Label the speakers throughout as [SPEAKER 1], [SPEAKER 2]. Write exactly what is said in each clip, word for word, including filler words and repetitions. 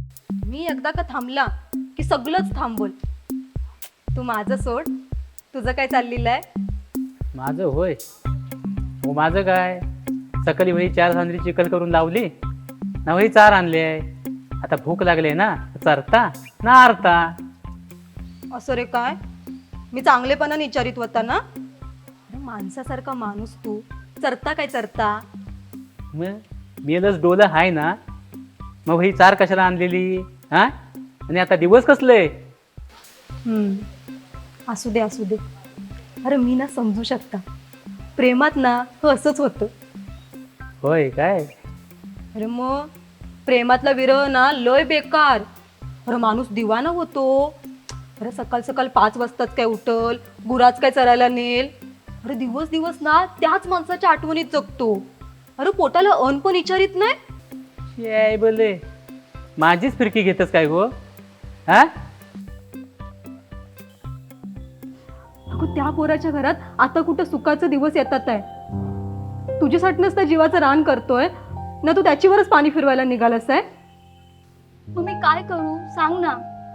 [SPEAKER 1] मी एकदा का थांबला की सगळंच थांबवल. तू माझं सोड, तुझं काय चाललेलं आहे?
[SPEAKER 2] माझं होय. हो माझं काय, सकाळी वही चार सांजरी चिकल करून लावली ना, वही चार आणले. आता भूक लागली ना, चरता ना आरता.
[SPEAKER 1] असं रे काय? मी चांगलेपणाने विचारित होता ना. अरे माणसासारखा माणूस तू चरता काय चरता?
[SPEAKER 2] मग मेलच डोलं हाय ना, मग वही चार कशाला आणलेली हा? आणि आता दिवस कसले?
[SPEAKER 1] हम्म, असू दे असू दे. अरे मी ना समजू शकता, प्रेमात ना हो असंच होतं.
[SPEAKER 2] होय काय?
[SPEAKER 1] अरे मग प्रेमातला विरह ना लय बेकार. अरे माणूस दिवाना होतो. अरे सकाळ सकाळ पाच वाजताच काय उठल, गुराच काय चरायला नेल. अरे दिवस दिवस ना त्याच माणसाच्या आठवणीत जगतो. अरे पोटाला अन्न पण विचारित नाही.
[SPEAKER 2] याय बोले माझीच फिरकी घेतस काय गो हा?
[SPEAKER 1] अगं त्या पोराच्या घरात आता कुठं सुखाचे दिवस येतात आहे. तुझ्यासाठीच तर जीवाचं रान करतोय ना, तू त्याच्यावरच पाणी फिरवायला निघालास आहे.
[SPEAKER 3] मग मी काय करू सांग ना.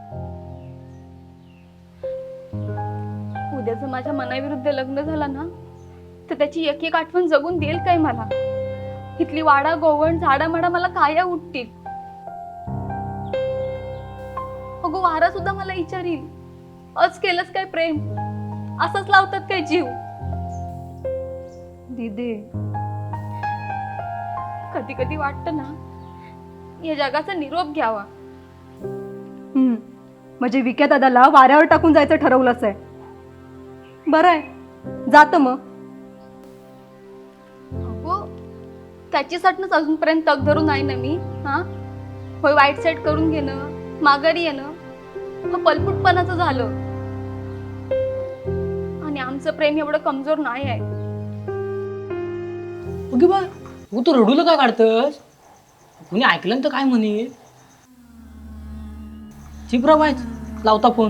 [SPEAKER 3] उद्या जर माझ्या मनाविरुद्ध लग्न झालं ना, तर त्याची एक एक आठवण जगून देईल काय मला? इथली वाडा गोवण झाडा माडा मला काया उठतील. अगो वारा सुद्धा मला विचारील, अच केलंस काय प्रेम? असंच लावतात काय जीव?
[SPEAKER 1] दीदी
[SPEAKER 3] कधी कधी वाटतं ना, या जगाचा निरोप घ्यावा.
[SPEAKER 1] हम्म, म्हणजे विक्या दादाला वाऱ्यावर टाकून जायचं ठरवलंच आहे. बरं आहे, जातं मग.
[SPEAKER 3] अगो त्याच्यासाठीच अजूनपर्यंत तग धरून आहे ना मी. हा होय, वाईट सेट करून घेणं, माघारी येणं हा पलपुटपणाचं झालं. आणि आमचं प्रेम एवढं कमजोर नाही आहे.
[SPEAKER 4] ओके बा, तू तू रडूला काय काढतस? कोणी ऐकलं तर काय म्हणे? चिपरा बाय लावता फोन.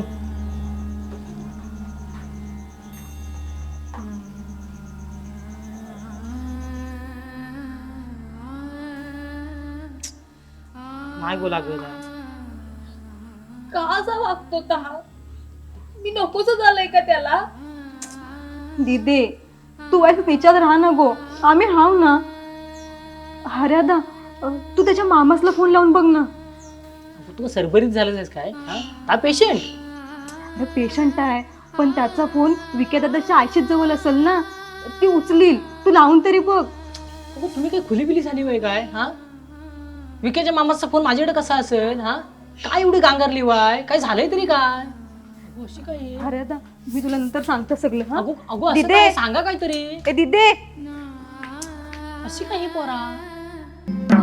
[SPEAKER 4] नाही बोला ग.
[SPEAKER 3] का असा वागतो का? मी नकोच झालंय का त्याला?
[SPEAKER 1] दीदी तू वाईट विचार राहा ना गो, आम्ही हाव ना. हर्यादा तू त्याच्या मामासला फोन लावून बघ ना.
[SPEAKER 4] तू सरभरीत झालंस काय? हा पेशंट?
[SPEAKER 1] अरे पेशंट आहे, पण त्याचा फोन विक्या दादाच्या आयशीच जवळ असेल ना, ती उचलील. तू लावून तरी बघ.
[SPEAKER 4] तुम्ही काय खुली बिली झाली वय काय? हा विकेच्या मामाचा फोन माझ्याकडे कसा असेल? हा काय एवढी गांगारली वाय? काय झालंय तरी काय? अशी काय?
[SPEAKER 1] हर्यादा मी तुला नंतर सांगतो सगळं. हा
[SPEAKER 4] अगो अगो असं
[SPEAKER 1] दिदे!
[SPEAKER 4] काय सांगा काहीतरी.
[SPEAKER 1] ए दीदी
[SPEAKER 4] अशी काही पोरा